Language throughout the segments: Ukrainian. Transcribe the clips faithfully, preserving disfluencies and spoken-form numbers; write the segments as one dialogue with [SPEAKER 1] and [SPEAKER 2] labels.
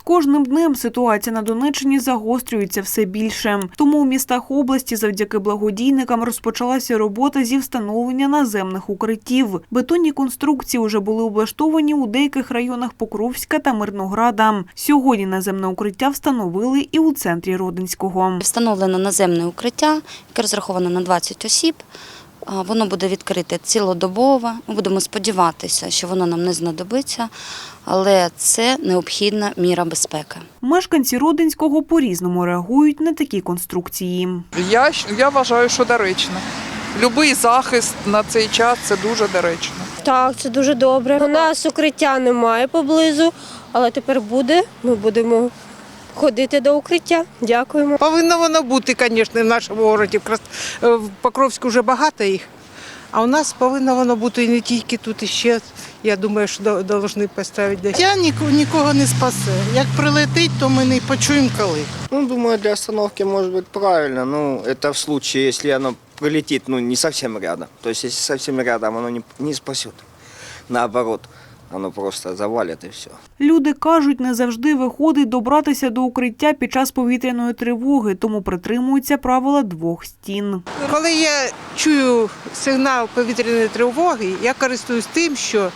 [SPEAKER 1] кожним днем ситуація на Донеччині загострюється все більше. Тому у містах області завдяки благодійникам розпочалася робота зі встановлення наземних укриттів. Бетонні конструкції вже були облаштовані у деяких районах Покровська та Мирнограда. Сьогодні наземне укриття встановили і у центрі Родинського.
[SPEAKER 2] Встановлено наземне укриття, яке розраховано на двадцять осіб. Воно буде відкрите цілодобово. Ми будемо сподіватися, що воно нам не знадобиться, але це необхідна міра безпеки.
[SPEAKER 1] Мешканці Родинського по-різному реагують на такі конструкції.
[SPEAKER 3] Я, я вважаю, що доречно. Любий захист на цей час – це дуже доречно.
[SPEAKER 4] Так, це дуже добре. У нас укриття немає поблизу, але тепер буде. Ми будемо ходити до укриття. Дякуємо.
[SPEAKER 5] Повинно воно бути, звісно, в нашому місті. В Покровську вже багато їх. А у нас повинно воно бути і не тільки тут, і ще, я думаю, що повинні поставити десь.
[SPEAKER 6] Я нікого не спасе. Як прилетить, то ми не почуємо коли.
[SPEAKER 7] Ну, думаю, для остановки может быть правильно. Ну, это в случае, если оно прилетит, ну, не совсем рядом. То есть, если совсем рядом, оно не, не спасет. Наоборот, оно просто завалит и все.
[SPEAKER 1] Люди кажуть, не завжди виходить добратися до укриття під час повітряної тривоги, тому притримуються правила двох стін.
[SPEAKER 5] Коли я чую сигнал повітряної тривоги, я користуюсь тим, що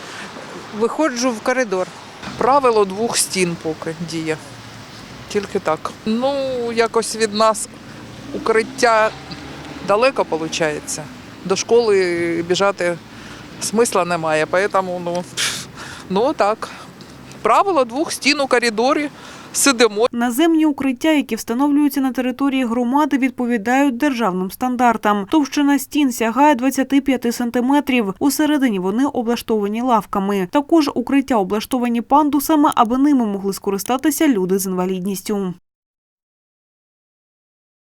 [SPEAKER 5] виходжу в коридор.
[SPEAKER 3] Правило двох стін поки діє. Тільки так. Ну, якось від нас укриття далеко виходить. До школи біжати смисла немає, тому, ну, ну так. Правило двох стін у коридорі. Сидимо.
[SPEAKER 1] Наземні укриття, які встановлюються на території громади, відповідають державним стандартам. Товщина стін сягає двадцяти п'яти сантиметрів. Усередині вони облаштовані лавками. Також укриття облаштовані пандусами, аби ними могли скористатися люди з інвалідністю.